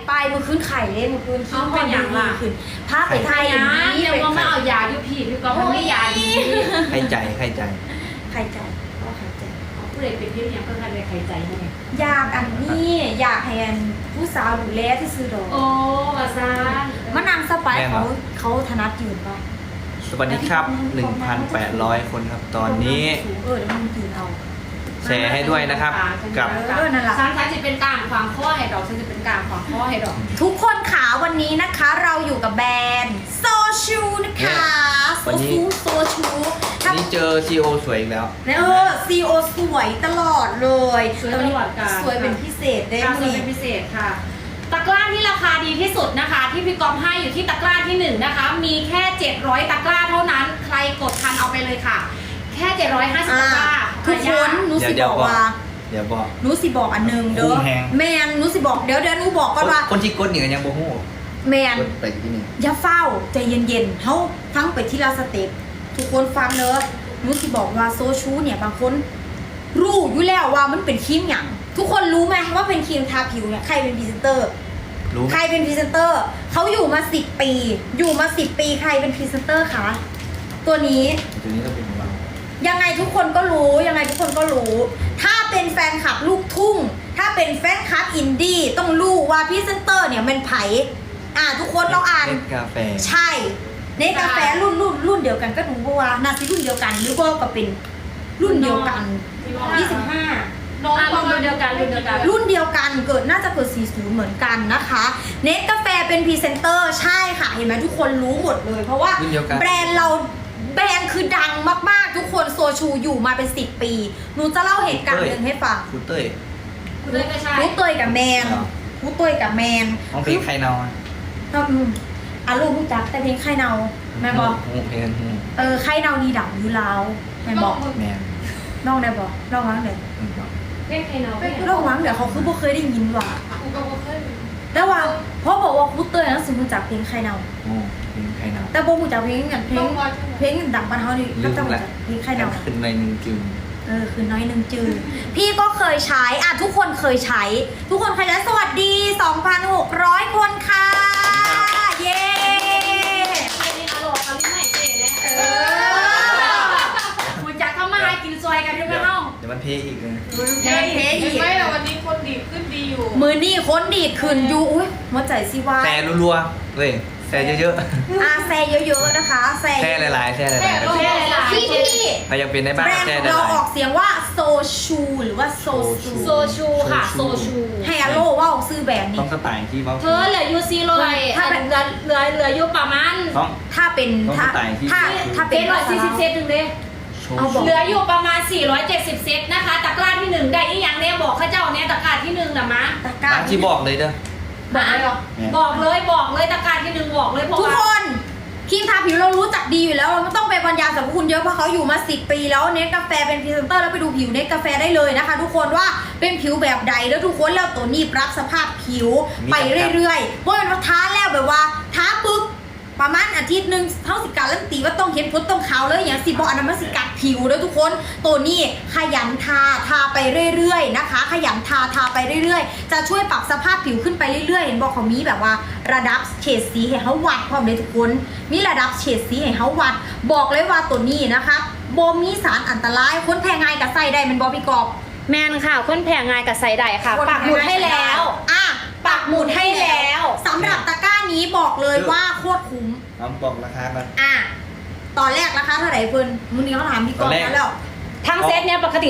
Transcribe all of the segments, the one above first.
ไปมือคืนไข่เลยมือคืนคิ้วเป็นอย่างละคืนพาไปไทยนะนี่ยังเป็นว่าไม่เอายาอยู่พี่ก็ไม่ยาดีใครใจไข่ใจก็ไข่ใจผู้ใดเป็นพี่ยังเพิ่งกันเลยใครใจให้อยากอันนี้อยากให้ผู้สาวดูแลที่ซื้อดอกโอ้มาซามะนางสไปเขาถนัดยืนป่ะสวัสดีครับ 1,800 คนครับตอนนี้เดี๋ยวมึงยืนเอาแชร์ให้ด้วยนะครับ กับนั่นแหละฉันจะเป็นกลางความข้อให้ดอกฉันจะเป็นกลางความข้อให้ดอกทุกคนขาวันนี้นะคะเราอยู่กับแบรนด์โซชูนะคะโซชูวันนี้เจอ CEO สวยอีกแล้วซีโอสวยตลอดเลยสวยตลอดกาลสวยเป็นพิเศษได้ค่ะไหมสวยเป็นพิเศษค่ะตะกร้าที่ราคาดีที่สุดนะคะ ที่พี่ก๊อฟให้อยู่ที่ตะกร้าที่1นะคะมีแค่700ตะกร้าเท่านั้นใครกดทันเอาไปเลยค่ะ แค่750ตะกร้าทุกคนหนูสิบอกว่าเดี๋ยวบอกหนูสิบอกอันหนึงเด้อคุ้มแฮงแมนหนูสิบอกเดี๋ยวหนูบอกก่อนว่าคนที่กดนี่ก็ยังบ่ฮู้แมนกดไปที่นี่อย่าเฝ้าใจเย็นๆเขาฟังไปทีละสเต็ปทุกคนฟังเนอะหนูสิบอกว่าโซชูเนี่ยบางคนรู้อยู่แล้วว่ามันเป็นครีมอย่างทุกคนรู้ไหมว่าเป็นครีมทาผิวเนี่ยใครเป็นพรีเซนเตอร์รู้ใครเป็นพรีเซนเตอร์เขาอยู่มา10 ปีอยู่มา10 ปีใครเป็นพรีเซนเตอร์คะตัวนี้ตัวนี้ก็เป็นของเรายังไงทุกคนก็รู้ยังไงทุกคนก็รู้ ถ้าเป็นแฟนคลับลูกทุ่ง ถ้าเป็นแฟนคลับอินดี้ต้องรู้ว่าพรีเซนเตอร์เนี่ยมันไผ่ทุกคนเราอ่านเนกาแฟใช่ในกาแฟรุ่นเดียวกันก็ดูว่านาซีรุ่นเดียวกันหรือว่าก็เป็นรุ่นเดียวกัน25 น้องรุ่นเดียวกันรุ่นเดียวกันรุ่นเดียวกันเกิดน่าจะเกิด40เหมือนกันนะคะเนสกาแฟเป็นพรีเซนเตอร์ใช่ค่ะเห็นไหมทุกคนรู้หมดเลย เพราะว่ารุ่นเดียวกันแบรนด์เราแบรนด์คือดังมากๆทุกคนโซชูอยู่มาเป็น10 ปีหนูจะเล่าเหตุการณ์หนึ่งให้ฟังคุณเต้ยคุณเลยก็ใช่รู้เตยกับแมนอ๋อรู้เตยกับแมนน้องเพลงใครเนาะลูกรู้จักแต่เพลงไข่เนาแม่บอกเพลงไข่เนานี่ดังอยู่ลาวแม่บอกแมนน้องได้บอกน้องวังเดี๋ยวเพ่งใครเนาะน้องวังเดี๋ยวเขาคือบ่เคยได้ยินว่ะกูก็เคยแต่ว่าเพราะบอกว่าครูเตยนั้นสิรู้จักเพลงไข่เนาโอ้เพลงใครเนาะแต่บ่รู้จักเพลงอย่างเพลงดังบ้านเฮานี่ก็ต้องรู้จักเพลงไข่เนาขึ้นในหนึ่งจึงคือน้อยนึงจืดพี่ก็เคยใช้ทุกคนเคยใช้ ทุกคนเคยใช้สวัสดี 2,600 คนค่ะเย้ไอ้นี่อร่อยตอนนี้ใหม่เจ๋เลยคุณจักเข้ามากินซอยกันด้วยไหมเฮ้าเดี๋ยวมันเพอีกเลยเพลงอีกไม่แต่วันนี้คนดีขึ้นดีอยู่มือนี่ค้นดีดขึ้นอยู่อุ้ยหัวใจสิว่าแชร์รัวๆเลยแชร์เยอะแซ่เยอะๆนะคะแซ่ๆแชร์หลายๆแชร์หลายๆแค่หลายที่ใครยังเป็นได้บ้างแบรนด์แชขร์องหเราลายออกเสียงว่าโซชูหรือว่าโซชูโซชูค่ะโซชูให้อโลว่าออกซื้อแบรนด์ๆต้นี้องสไตล์ที่เขาเธอเหลือยูซีเลยเหลืออยู่ประมาณต้องถ้าเป็นต้องถ้าสไตล์ที่ถ้าเป็น 740 เซตหนึ่งเด้โชว์เอาบอกเหลืออยู่ประมาณ470 เซตนะคะตะกร้าที่1ได้อีกอย่างเนี่ยบอกข้าเจ้าเนี่ยตะกร้าที่1นะมะตะกร้าร้านที่บอกเลยเด้อบอกเลยเหรอบอกเลยตะกร้าที่1บอกเลยเพราะทุกว่าคนครีมทาผิวเรารู้จักดีอยู่แล้วเราไม่ต้องไปบรรยายสรรพคุณเยอะเพราะเขาอยู่มา10 ปีแล้วเนสกาแฟเป็นพรีเซนเตอร์แล้วไปดูผิวเนสกาแฟได้เลยนะคะ ทุกคนว่าเป็นผิวแบบใดแล้วทุกคนแล้วตัวนี้ปรับสภาพผิวไปเรื่อยๆเพราะมันท้าแล้วแบบว่าท้าปุ๊บประมาณอาทิตย์หนึ่งเท่าสิการันตีว่าต้องเห็นผลต้องขาวเลยอย่างสิบอกอันนั้นมันสิกัดผิวแล้วทุกคนตัวนี้ขยันทาไปเรื่อยๆนะคะ ขยันทาไปเรื่อยๆจะช่วยปรับสภาพผิวขึ้นไปเรื่อยๆเห็นบอกเขามีแบบว่าระดับเฉดสีให้เขาวัดพร้อมเลยทุกคนมีระดับเฉดสีให้เขาวัดบอกเลยว่าตัวนี้นะคะโบมีสารอันตรายคนแพ้ง่ายกับใส่ได้มันบอพี่กอบแมนค่ะคนแพงงานกับไซไดค่ะปักหมุดให้แล้วปักหมุดให้แล้วสำหรับตะกร้านี้บอกเลยว่าโคตรคุ้มน้องบอกราคากันตอนแรกราคาเท่าไหร่เพิ่นมื้อนี้เขาถามพี่กอบแล้วทั้งเซตเนี่ยปกติ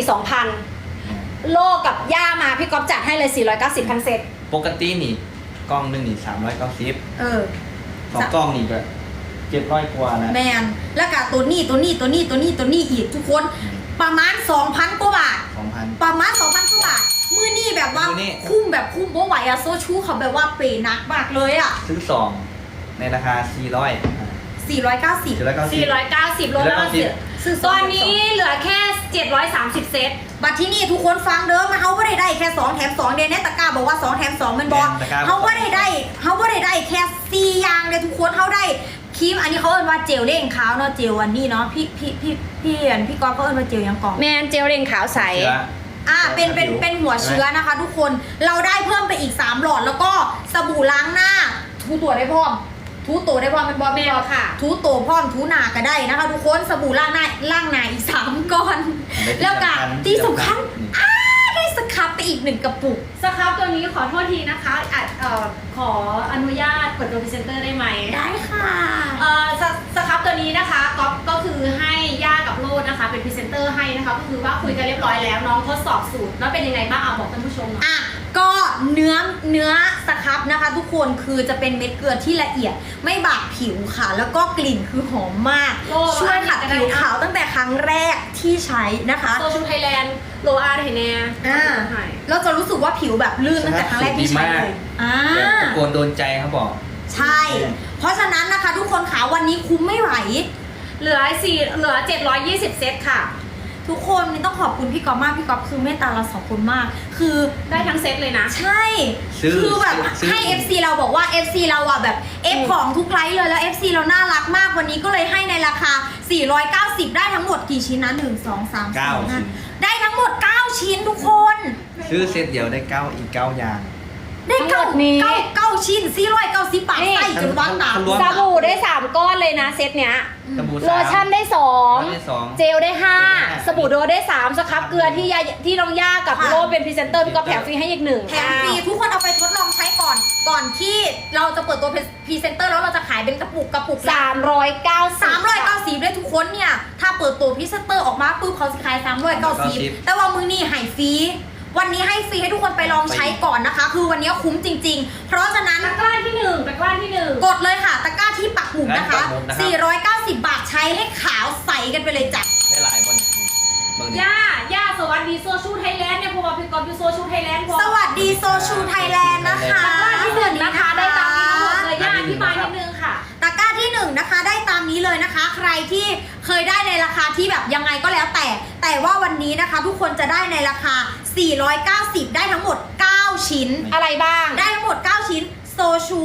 2,000 โลกับย่ามาพี่ก๊อฟจัดให้เลย490ทั้งเซตปกตินี่กล้องหนึงนี่390สองกล้องนี่ก็700กว่าแล้วแมนแล้วก็ตัวนี้อีกทุกคนประมาณ 2,000 กว่าบาท 2,000 ประมาณ 2,000 กว่าบาทมื้อนี้แบบว่ามื้อนี้คุ้มแบบคุ้มบ่ไหวอะโซชูเขาแบบว่าเปย์หนักมากเลยอะซื้อ2ในราคา400 490 490 โลละซื้อตอนนี้เหลือแค่ 730 เซตบัตรที่นี่ทุกคนฟังเด้อมาเขาไม่ได้แค่2แถม2เดนเนตตะกร้าบอกว่า2แถม2มันบอกเขาไม่ได้แค่4อย่างเลยทุกคนเขาได้ครีมอันนี้เขาเอิ้นว่าเจลเร่งขาวเนาะเจลอันนี้เนาะพี่กอล์ฟเขาเอิ้นว่าเจลยังกล่องแมนเจลเร่งขาวใสเชื้อเป็นหัวเชื้อนะคะ ทุกคนเราได้เพิ่มไปอีก3หลอดแล้วก็สบู่ล้างหน้าทูตัวได้พร้อมทูตัวได้พร้อมเป็นบอลแมวค่ะทูตัวพร้อมทูหนาก็ได้นะคะ ทุกคนสบู่ล้างหน้าอีก3ก้อนแล้วก็ที่สำคัญได้สครับไปอีก1กระปุกสครับตัวนี้ขอโทษทีนะคะขออนุญาตเปิดตัวพรีเซนเตอร์ได้ไหมได้ค่ะสครับตัวนี้นะคะก็คือให้ย่ากับโลดนะคะเป็นพรีเซนเตอร์ให้นะคะก็คือว่าคุยกันเรียบร้อยแล้วน้องทดสอบสูตรแล้วเป็นยังไงบ้างเอาบอกท่านผู้ชมหน่อยอ่ะก็เนื้อสครับนะคะ ทุกคนคือจะเป็นเม็ดเกลือที่ละเอียดไม่บาดผิวค่ะ แล้วก็กลิ่นคือหอมมาก ช่วยขัดผิวขาวตั้งแต่ครั้งแรกที่ใช้นะคะโซชูไทยแลนด์โลอาร์ไทยแน่เราจะรู้สึกว่าผิวแบบลื่นตั้งแต่ครั้งแรกที่ใช้เลยแบบตะโกนโดนใจเขาบอกใช่ เพราะฉะนั้นนะคะทุกคนขาวันนี้คุ้มไม่ไหวเหลือ720 เซตค่ะทุกคนนี่ต้องขอบคุณพี่ก๊อฟมากพี่ก๊อฟคือเมตตาเรา2คนมาก คือได้ทั้งเซตเลยนะใช่คือแบบให้ FC เราบอกว่า FC เราอ่ะแบบ F ของทุกไลฟ์เลยแล้ว FC เราน่ารักมากวันนี้ก็เลยให้ในราคา490ได้ทั้งหมดกี่ชิ้นนะ1 2 3 4 5ได้ทั้งหมด9ชิ้นทุกคนซื้อเซตเดียวได้อีก 9 อย่างได้ทั้งหมดนี้เก้าชิ้น490 บาทใส่จนวันตาสบู่ได้3ก้อนเลยนะเซตเนี้ยสบู่โลชั่นได้ได้สอง 2เจลได้5สบู่โดได้3สครับเกลือที่น้องย่ากับโลเป็นพรีเซนเตอร์พี่ก็แถมฟรีให้อีก1 แถมฟรีทุกคนเอาไปทดลองใช้ก่อนที่เราจะเปิดตัวพรีเซนเตอร์แล้วเราจะขายเป็นกระปุก390ด้วยทุกคนเนี่ยถ้าเปิดตัวพรีเซนเตอร์ออกมาปุ๊บเขาจะขาย390แต่ว่ามือนี่ให้ฟรีวันนี้ให้ฟรีให้ทุกคนไปลองใช้ก่อนนะคะ คือวันนี้คุ้มจริงๆเพราะฉะนั้นตะกร้าที่1 กดเลยค่ะตะกร้าที่ปักหมุดนะคะ490 บาทใช้ให้ขาวใสกันไปเลยจ้ะได้หลายคนเบิ่งดิย่าสวัสดีโซชูไทยแลนด์เนี่ยเพราะว่าพี่กอล์ฟอยู่โซชูไทยแลนด์สวัสดีโซชูไทยแลนด์นะคะตะกร้าที่1นะคะได้ตามนี้ทั้งหมดเลยย่าอธิบายนิดนึงค่ะตะกร้าที่1นะคะได้ตามนี้เลยนะคะ ใครที่เคยได้ในราคาที่แบบยังไงก็แล้วแต่ว่าวันนี้นะคะทุกคนจะได้ในราคา490ได้ทั้งหมด9ชิ้นอะไรบ้างได้ทั้งหมด9ชิ้นโซชู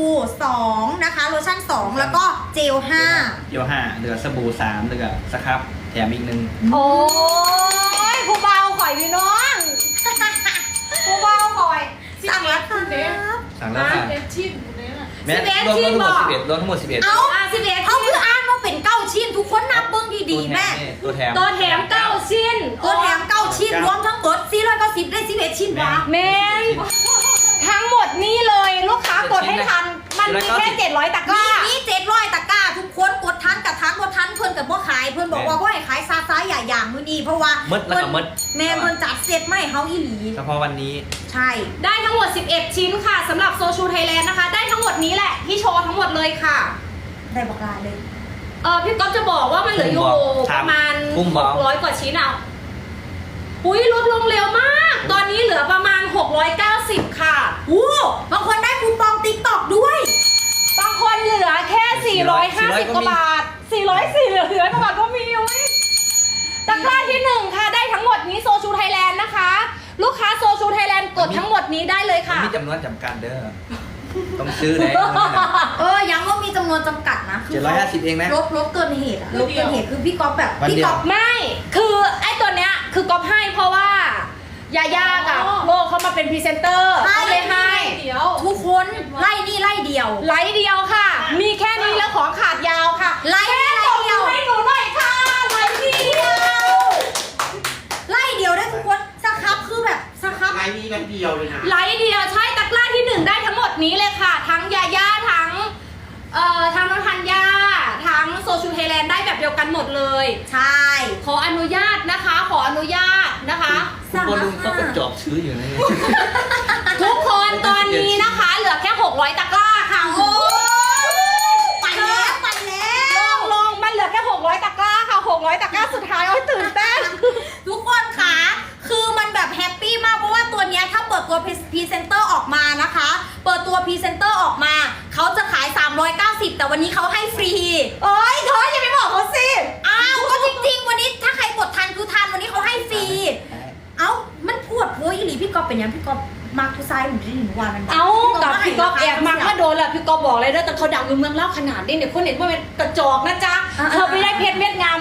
2นะคะโลชั่น2แล้วก็เจล5 เดี๋ยว5เหลือสบู่3เหลือสครับแถมอีก1 โอ้ยผู้เบาข่อยพี่น้องผู้เบาข่อยสั่งแล้วครับสั่งแล้วค่ะเอฟชิมอยู่เนี่ยน่ะแม่รวมทั้งหมด11รวมทั้งหมด11 เอาเขาคืออ่านว่าเป็น9ชิ้นทุกคนนับเบิ้งดีๆแม่ตัวแถมตัวแถม9ชิ้นตัวแถม9ชิ้นรวมทั้งหมด490ได้11ชิ้นวะแมนทั้งหมดนี่เลยลูกค้ากดให้ทัน มันมีแค่700ตะกร้ามี700ตะกร้าทุกคนกดทันกับทันบ่ทันเพิ่นกับบ่ขายเพิ่นบอกว่าบ่ให้ขายซาซ้ายอย่างมื้อนี้เพราะว่ามืดแล้วก็มืดแม่เพิ่นจัดเซตไม่เฮาอีหลีเฉพาะวันนี้ใช่ได้ทั้งหมด11ชิ้นค่ะสำหรับโซชูไทยแลนด์นะคะ ได้ทั้งหมดนี้แหละที่โชว์ทั้งหมดเลยค่ะได้บอกลาเลยพี่ก๊อฟจะบอกว่ามันเหลืออยู่ประมาณ600กว่าชิ้นอ่ะอุ้ยลดลงเร็วมาก ตอนนี้เหลือประมาณ690ค่ะอู้บางคนได้คูปอง TikTok ด้วยบางคนเหลือแค่450กว่าบาท404เหลือกว่าบาทก็มีอุ้ยตะกร้าที่1ค่ะได้ทั้งหมดนี้โซชูไทยแลนด์นะคะ ลูกค้าโซชูไทยแลนด์กดทั้งหมดนี้ได้เลยค่ะมีจำนวนจำกัดเด้อต้องซื้อเลยยังว่ามีจำนวนจำกัดนะคื 750เองนะลบเกินเหตุอะลบเกินเหตุคือพี่ก๊อฟแบบวันเดียวพี่ก๊อฟไม่คือไอ้ตัวเนี้ยคือก๊อฟให้เพราะว่ายาย่ากับโลเขามาเป็นพรีเซนเตอร์ก็เลยให้เดี๋ยวทุกคนไล่นี่ไล่เดียวไลท์เดียวค่ะ มีแค่นี้แล้วของขาดยาวค่ะไลท์แค่ตบมือให้หนูหน่อยค่ะไลท์เดียวไล่เดียวได้ทุกคนสครับคือแบบสครับไลน์นี้แป๊บเดียวเลยนะไลท์เดียวใช่ตะกร้าที่1ได้ทั้งหมดนี้เลยค่ะ ทั้งยาย่าทั้งน้องธัญญาทั้งโซชูไทยแลนด์ได้แบบเดียวกันหมดเลยใช่ขออนุญาตนะคะ ขออนุญาตนะคะคุณบอลลุงก็กระจอกซื้ออยู่นะทุกคนตอนนี้นะคะเหลือแค่600ตะกร้าค่ะโอ้ไปแล้วลงมันเหลือแค่600ตะกร้าค่ะ600ตะกร้าสุดท้ายโอ้ยตื่นเต้นทุกคนค่ะคือมันแบบแฮปปี้มากเพราะว่าตัวเนี้ยถ้าเปิดตัวพรีเซนเตอร์ออกมานะคะ เปิดตัวพรีเซนเตอร์ออกมาเขาจะขาย390แต่วันนี้เขาให้ฟรีโอ้ยเธออย่าไปบอกเขาสิอ้าวก็จริงๆวันนี้ถ้าใครกดทันคือทันวันนี้เขาให้ฟรี เอ้ามันพูดโพยอีหลีพี่ก๊อฟเป็นยังพี่ก๊อฟมาร์คทูไซด์หนูได้หนูว่ามันเอากับพี่ก๊อฟแอบมาถ้าโดนแหละพี่ก๊อฟบอกเลยนะแต่เขาดังอยู่เมืองเล่าขนาดนี้เนี่ยคนเห็นว่าเป็นกระจอกนะจ๊ะเธอไปได้เพชรเม็ดงามมานะ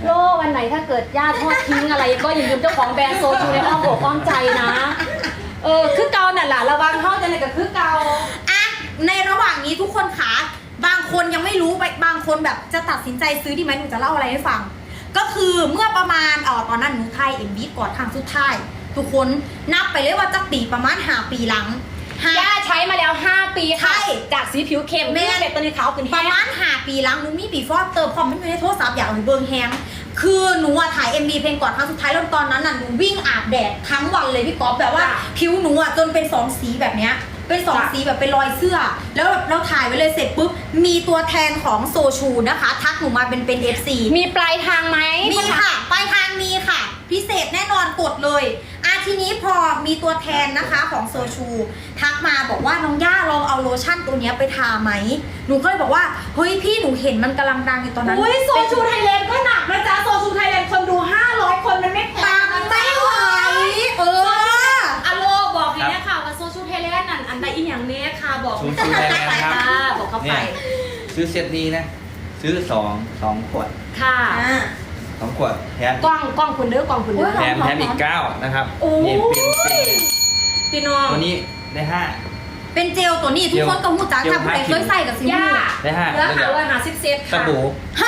โลวันไหนถ้าเกิดญาติทอดทิ้งอะไรก็อย่าลืมเจ้าของแบรนด์โซจูในอ้อมอกอ้อมใจนะคือเกาน่ะล่ะระวังเท่าจะไหนกับคือเกาอ่ะในระหว่างนี้ทุกคนขาบางคนยังไม่รู้บางคนแบบจะตัดสินใจซื้อดีไหมหนูจะเล่าอะไรให้ฟัง ก็คือเมื่อประมาณตอนนั้นหนูไทยเอ็มบีก่อนครั้งสุดท้ายทุกคนนับไปเลยว่าจะปีประมาณ5 ปีหลังย่าใช้มาแล้ว 5 ปีค่ะใช่จากสีผิวเข้มแม่เป็นตัวนี้ขาวขึ้นปแห้ระงมาณ5 ปีหลังหนูมีบีฟอร์เติมพอมันอยู่ในโทรศัพท์อยากเอาไปเบิร์แฮงคือหนูอะถ่าย MV เพลงก่อนครั้งสุดท้ายแล้วตอนนั้นน่ะหนูวิ่งอาบแดดทั้งวันเลยพี่ก๊อฟแบบว่าผิวหนูอะจนเป็น2 สีแบบเนี้ยเป็น2 สีแบบเป็นรอยเสื้อ แล้วเราถ่ายไว้เลยเสร็จปุ๊บมีตัวแทนของโซชูนะคะทักหนูมาเป็น FC มีปลายทางไหมมีค่ะปลายทางมีค่ะ พิเศษแน่นอนกดเลยทีนี้พอมีตัวแทนนะคะของโซชูทักมาบอกว่าน้องย่าลองเอาโลชั่นตัวเนี้ยไปทาไหมหนูก็เลยบอกว่าเฮ้ยพี่หนูเห็นมันกำลังดังอยู่ตอนนั้นอุ้ยโซชูไทยแลนด์ก็หนักนะจ๊ะโซชูไทยแลนด์คนดู500 คนมันไม่แพปังงนะไม่จ๊ะไหวอโลบอกเลยนะคะว่าโซชูไทยแลนด์นั่นอันใดอีกอย่างเนี้ยค่ะบอกซูชูไทยแลนด์นะครับบอกเข้าไปเนี่ยซื้อเซตนี้นะ ซื้อ2 ขวดค่ะ 2 ขวดแถมกล้องคุณเด้อกล้องคุณเด้อแถมอีก9นะครับโอ้ยนี่เป็นพี่น้องตัวนี้ได้เป็นเจลตัวนี้ทุกคนก็หูจักถ้าผู้ใดเคยใส่กับซิย่ามูได้แล้ว 5 550 เซตสค่ะบู่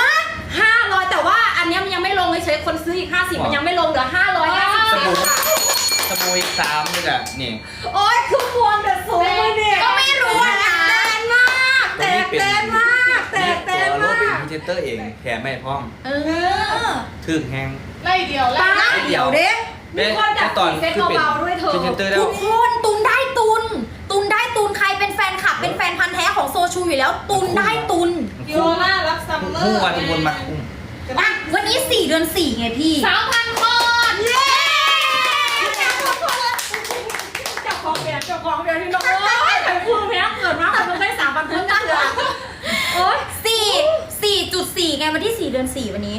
500แต่ว่าอันเนี้ยมันยังไม่ลงเฉยๆคนซื้ออีก50มันยังไม่ลงเหลือ550 สบู่ค่ะสบู่อีก3นี่แหละนี่โอ๊ยคือพวงแต่สูงเลยเนี่ยก็ไม่รู้อะนะแตนมากแตกแตนมากแตกแตนตัวโลมากเป็นพรีเซนเตอร์เองแถมไม่พร้อมเออถึงแฮงไล่เดียวไล่ป้าเดี๋ยวเด้มีคนจับสีเซ็ตเบาๆด้วยเถอะพรีเซนเตอร์แล้ทุวกคนตุนได้ตุนได้ตุนใครเป็นแฟนคลับเป็นแฟนพันธ์แท้ของโซชูอยู่แล้วตุนได้ตุนโยล่ารับซัมเมอร์คู่วันวนมาคุ้มอ่ะวันนี้4 เดือน 4ไงพี่ 3,000 คนเย้เจ้าของแบรนด์ที่น้องเอ้ยแต่คุณแม่เกิดมาแต่มันได้3,000 คนกันเลยโอ๊ย 4.4ไงวันที่4 เดือน 4วันนี้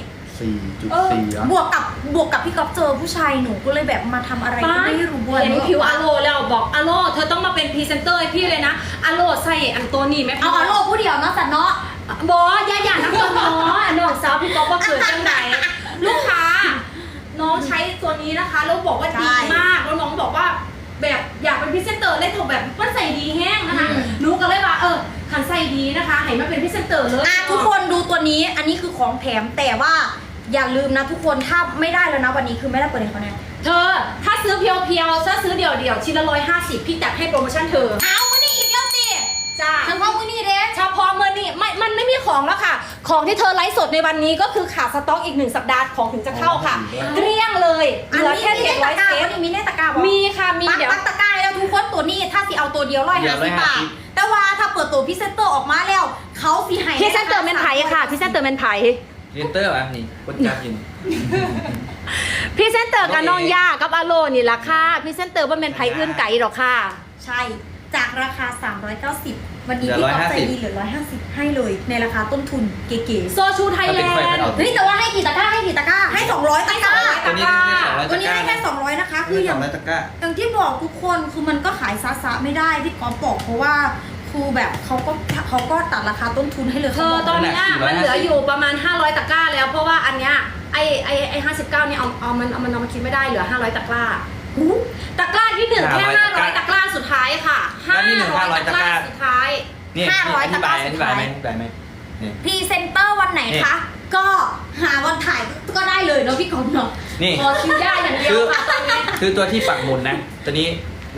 4.4เหรอบวกกับพี่ก๊อฟเจอผู้ชายหนูก็เลยแบบมาทำอะไรก็ไม่รู้อะเห็นผิวอโลแล้วบอกอโลเธอต้องมาเป็นพรีเซนเตอร์ให้พี่เลยนะอโลใส่อันตัวนี้ไหมเอาอโลผู้เดียวเนาะสันเนาะบอย่านักตัวน้อยน้องสาวพี่ก๊อฟว่าเกิดจังไหนลูกค้า น้องใช้ตัวนี้นะคะแล้วบอกว่าดีมากแล้วน้องบอกว่าแบบอยากเป็นพรีเซนเตอร์เลยถูกแบบมันใส่ดีแห้งนะคะหนูก็เลยว่าขันใส่ดีนะคะให้มาเป็นพรีเซนเตอร์เลยทุกคนดูตัวนี้อันนี้คือของแถมแต่ว่าอย่าลืมนะทุกคนถ้าไม่ได้แล้วนะวันนี้คือไม่ได้เปิดให้เขาแน่เธอถ้าซื้อเพียวๆถ้าซื้อเดี่ยวๆชิ้นละ150พี่จัดให้โปรโมชั่นเธอเอาวันนี้อีกแล้วสิจ้าเฉพาะมื้อนี้เด้เฉพาะเมื่อนี้มันไม่มีของแล้วค่ะ ของที่เธอไลฟ์สดในวันนี้ก็คือขาดสต็อกอีก1 สัปดาห์ของถึงจะเข้าค่ะเกลี้ยงเลยเหอันลือนี้แค่มีในตะ 700 กร้าเซวัตนนี้มีในตะกร้าบอกมีค่ะมีเดี๋ยวปักตะกร้าแล้วทุกคนตัวนี้ถ้าสิเอาตัวเดียว150 บาทแต่ว่าถ้าเปิดตัวพรีเซนเตอร์ออกมาแล้วเขาสิให้พรีเซนเตอร์แมนไผ่ค่ะพรีเซนเตอร์แมนไผ่พรีเซนเตอร์แบบนี้คนจับยินพรีเซนเตอร์กับน้องย่ากับอาโลนี่ราคาพรีเซนเตอร์ว่าแมนไผ่อื่นไก่หรอกค่ะใช่จากราคา 390 วันนี้พี่ก๊อฟใจดีเหลือ150 ให้เลยในราคาต้นทุนเก๋ๆโซชูไทยแลนด์เฮ้ยแต่ว่าให้กี่ตะกร้าให้200 ตะกร้าตัวนี้ได้200 ตัวนี้ให้แค่200นะคะคืออย่าง 200 ตะกร้าอย่างที่บอกทุกคนคือมันก็ขายซะไม่ได้พี่ก๊อฟบอกเพราะว่าคือแบบเขาก็ตัดราคาต้นทุนให้เลยเธอตอนเนี้ยมันเหลืออยู่ประมาณ500 ตะกร้าแล้วเพราะว่าอันเนี้ยไอ้59เนี่ยเอามาคิดไม่ได้เหลือ500 ตะกร้าตะกร้าที่1แค่500 ตะกร้าสุดท้ายค่ะ500 ตะกร้าสุดท้ายนี่อธิบายไหมนี่พรีเซนเตอร์วันไหนคะ ก็หาวันถ่ายก็ได้เลยเนาะพี่ก๊อฟเนาะนี่พอคิวได้อย่างเดียวค่ะตอนนี้คือตัวที่ปักหมุดนะ ตัวนี้ได้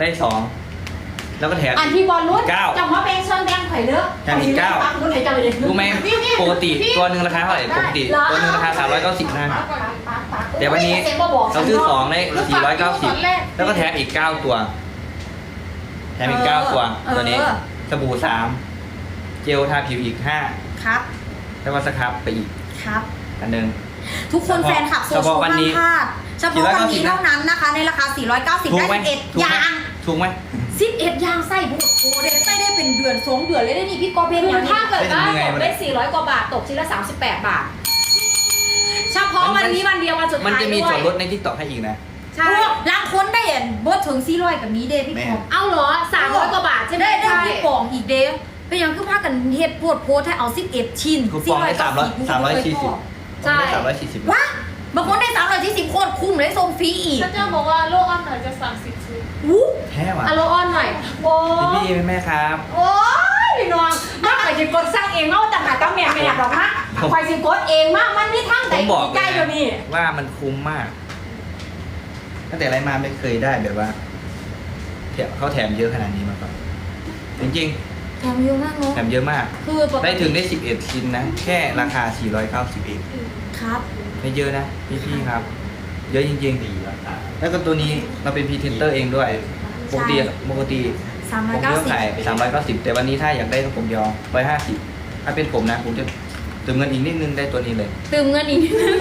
2แล้วก็แถมอันที่บอลรุ่น 9 จำว่าเป็นเชิญแดงไข่เลือกแถมอีก9 รุ่นไหนจำเลยรู้ไหมปกติตัวหนึ่งราคาเท่าไหร่ปกติตัวหนึ่งราคา390นะแต่วันนี้เราซื้อ2ได้490แล้วก็แถมอีก9ตัวแถมอีก9ตัวตัวนี้สบู่3เจลทาผิวอีก5 ครับแล้วก็สครับไปอีกครับอันหนึ่งทุกคนแฟนคลับโซเฉเชียพาะลวันห้านี้มพลาดเฉพาะวันนี้เท่านั้นนะคะ ในราคา 490 ถูกได้ไหม 11อย่างถูกไหม 11อย่างไส้บุกโอ้เดนไส้ได้เป็นเดือน2 เดือนเลยได้นี่พี่ก๊อฟเป็นคืออย่างนี้ถ้าเกิดว่าตกได้400 กว่าบาทตกชิ้นละ38 บาท เฉพาะวันนี้วันเดียววันสุดท้ายมันจะมีส่วนลดด้วยในทิกตอกให้อีกนะใช่ล้างค้นได้เห็นบดถึง400กับนี้เด้พี่ก๊อฟเอาเหรอ300 กว่าบาทใช่ไหมได้ใช่พี่ปองอีกเด้เป็นยังคือพากันเฮ็ดโพดให้เอา11 ชิ้นคูปองได้340 ใช่ได้340 ว้าบางคนได้340โคตรคุ้มเลยส่งฟรีอีกฉันจะบอกว่าโลกออนไลน์จะสั่ง10 ชุดวู้แท้ว่ะอะโลออนหน่อยโอ้พี่แม่ครับโอ้ยพี่น้องมากกว่าจะกดสร้างเองเอาแต่หาตั้งแม่ไม่อยากหรอกนะคอยสิกดเองมากมันนี่ทั้งผแต่มบอกใจเลยเดี๋ยวนี้ว่ามันคุ้มมากตั้งแต่ไรมาไม่เคยได้แบบว่าเขาแถมเยอะขนาดนี้มาก่อนจริงแถมเยอะมากเนาะๆแถมเยอะมากคือปกได้ติถึงได้11ชิ้นนะแค่ราคา490เองครับไม่เยอะนะพี่ๆครับ เยอะจริงๆดีแล้วก็ตัวนี้เราเป็นพรีเซนเตอร์เองด้วยปกติผมก็ขาย390แต่วันนี้ถ้าอยากได้ผมยอม150ถ้าเป็นผมนะผมจะเติมเงินอีกนิดนึงได้ตัวนี้เลยเติมเงินอีกนิดนึง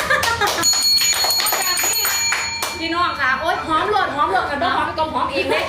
พี่น้องค่ะโอ๊ยหอมโหลดกันบ้างหอมก็หอมเองเลย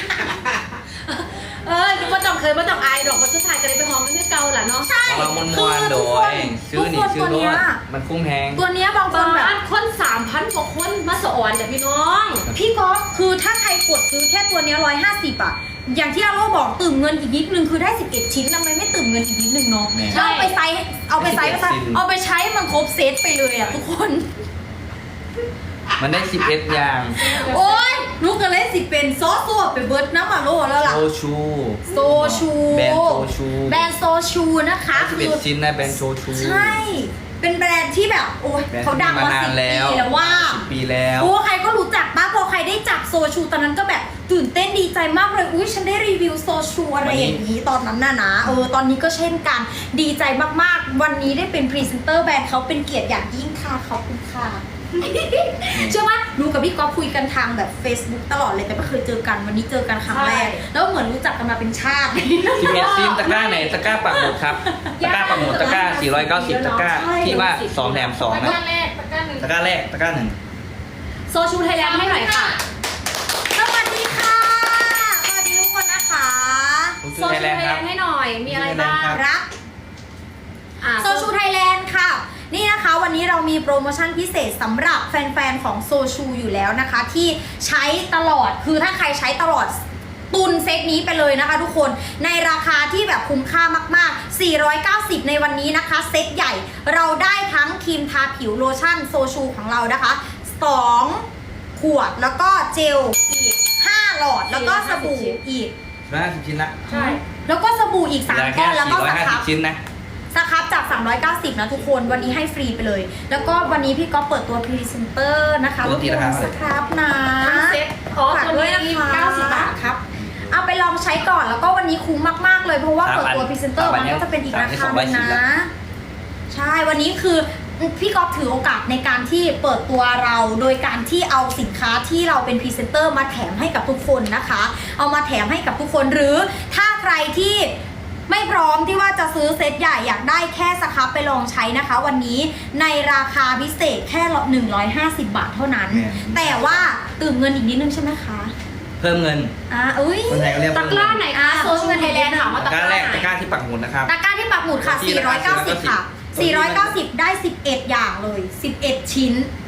คือว่าต้องเคยว่าต้องอายดอกว่าสุดท้ายก็เลยไปหอมมันที่เก่าแหละเนาะใช่เรามวนๆโดยซื้อนี่ซื้อรถมันคุ้มแพงตัวเนี้ยบางคนแบบบ้านคน3,000กว่าคนมาสอนแต่พี่น้องพี่ก๊อฟคือถ้าใครกดซื้อแค่ตัวเนี้ย150อ่ะ อย่างที่อาโรบอกตื่มเงินอีกนิดนึงคือได้11ชิ้นทำไมไม่ตื่มเงินอีกนิดนึงเนาะแม่แล้วเอาไปใช้เอาไปใช้มันครบเซตไปเลยอ่ะทุกคนมันได้11อย่างโอ๊ยนุกกันเลยสิเป็นซอสตัวไปเบิร์ดน้ำอาโรแล้วล่ะโซชูโซชูแบรนด์โซชูแบรนด์โซชูนะคะ 11ชิ้นนะแบรนด์โซชูใช่ เป็นแบรนด์ที่แบบโอ้ยแบรนด์เขาดังที่มานา 10 นปีแล้วแล้วว่า 10 ปีแล้วโอ้ใครก็รู้จักป้าพอใครได้จับโซชูตอนนั้นก็แบบตื่นเต้นดีใจมากเลยอุ้ยฉันได้รีวิวโซชูอะไรอย่างนี้ตอนนั้นน่ะนะตอนนี้ก็เช่นกันดีใจมากๆวันนี้ได้เป็นพรีเซนเตอร์แบรนด์เขาเป็นเกียรติอย่างยิ่งค่ะขอบคุณค่ะ เชื่อว่ารู้กับพี่ก๊อฟคุยกันทางแบบ Facebook ตลอดเลยแต่ไม่เคยเจอกันวันนี้เจอกันครั้งแรกแล้วเหมือนรู้จักกันมาเป็นชาติ 11ชิ้นตะกร้าไหนตะกร้าปักหมุดครับตะกร้าปักหมุดตะกร้า490ตะกร้าที่ว่า2แถม2 ตะนะกร้าแรกตะกร้าหนึ่งตะกร้าแรกตะกร้าหนึ่งโซชูไทยแลนด์ให้หน่อยค่ะสวัสดีค่ะสวัสดีทุกคนนะคะผมโซชื่อชูไทยไทแลยนด์แลครับนด์ให้หน่อย มีอะไรบ้างครับรับ โซชูไทยแลนด์ค่ะ นี่นะคะวันนี้เรามีโปรโมชั่นพิเศษสำหรับแฟนๆของโซชูอยู่แล้วนะคะ ที่ใช้ตลอดคือถ้าใครใช้ตลอดตุนเซตนี้ไปเลยนะคะทุกคนในราคาที่แบบคุ้มค่ามากๆ490ในวันนี้นะคะเซตใหญ่เราได้ทั้งครีมทาผิวโลชั่นโซชูของเรานะคะ2ขวดแล้วก็เจลอีก5หลอดแล้วก็สบู่อีก 150ชิ้นละใช่แล้วก็สบู่อีก3ก้อนแล้วก็สครับ 450ชิ้นนะสครับจาก390นะทุกคนวันนี้ให้ฟรีไปเลย แล้วก็วันนี้พี่ก็เปิดตัวพรีเซนเตอร์นะคะปกติราคาเท่าไหร่สครับนะทั้งเซ็ตอ๋อฝากตัวด้วยนะนี้คะ 90 บาทครับเอาไปลองใช้ก่อนแล้วก็วันนี้คุ้มมากๆเลยเพราะว่าเปิดตัวพรีเซนเตอร์มันก็จะเป็นอีกราคาหนึงนะ ใช่วันนี้คือพี่ก๊อฟถือโอกาสในการที่เปิดตัวเราโดยการที่เอาสินค้าที่เราเป็นพรีเซนเตอร์มาแถมให้กับทุกคนนะคะ เอามาแถมให้กับทุกคนหรือถ้าใครที่ไม่พร้อมที่ว่าจะซื้อเซตใหญ่อยากได้แค่สครับไปลองใช้นะคะ วันนี้ในราคาพิเศษแค่150 บาทเท่านั้น แต่ว่าตื่มเงินอีกนิดนึงใช่ไหมคะเพิ่มเงินอุ้ยคนไทยก็เรียกตะเพิ่มกเงิร้าน ไหนคะโซชูไทยแลนด์ถามว่าตะตะกกร้าร้าแรกไหนตะกร้าที่ปักหมุดนะครับตะกร้าที่ปักหมุดค่ะ490 ค่ะ 490 ได้ 11 อย่างเลย 11 ชิ้น